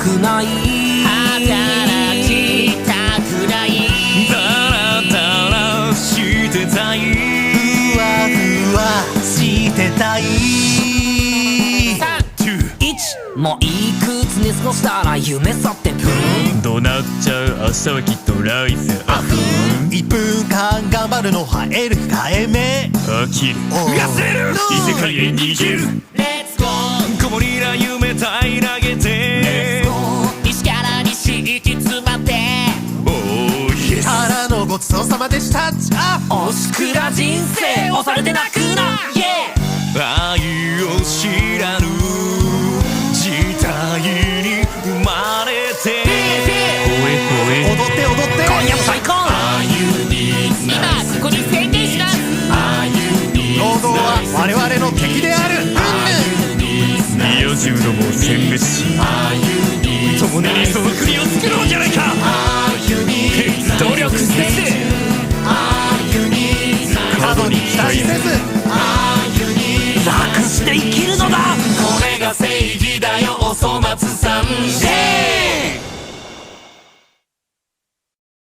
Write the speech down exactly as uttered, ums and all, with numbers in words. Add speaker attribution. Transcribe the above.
Speaker 1: くない
Speaker 2: 働きたくない
Speaker 3: ダラダラしてたい
Speaker 4: ふわふわしてたい
Speaker 2: さん、
Speaker 1: いちもういくつに過ごしたら夢去ってブーン
Speaker 3: どうなっちゃう明日はきっと来世あふん
Speaker 4: いっぷんかん頑張るのは得る控えめ
Speaker 3: 飽きる
Speaker 4: 忘れる
Speaker 3: 異世界へ逃げる
Speaker 2: レッツゴー
Speaker 3: 子守ら夢平らげて
Speaker 2: 西から西行き詰まって
Speaker 3: おーイエス
Speaker 4: からのごちそうさまでしたじゃあ
Speaker 1: おしくら人生押されて泣くなイエ
Speaker 3: 愛を知らぬ時代に生まれてほえほえ
Speaker 4: 踊って踊って
Speaker 1: 今夜も最高
Speaker 2: 今ここに宣言します
Speaker 4: 労働は我々の敵であるうんぬ
Speaker 3: 二十度も殲滅し共に理想の国を作ろうじゃないか
Speaker 1: 努力せず
Speaker 4: 過度に期待せず
Speaker 1: 楽して生きるのだ
Speaker 2: これが正義だよお粗末さんイエーイ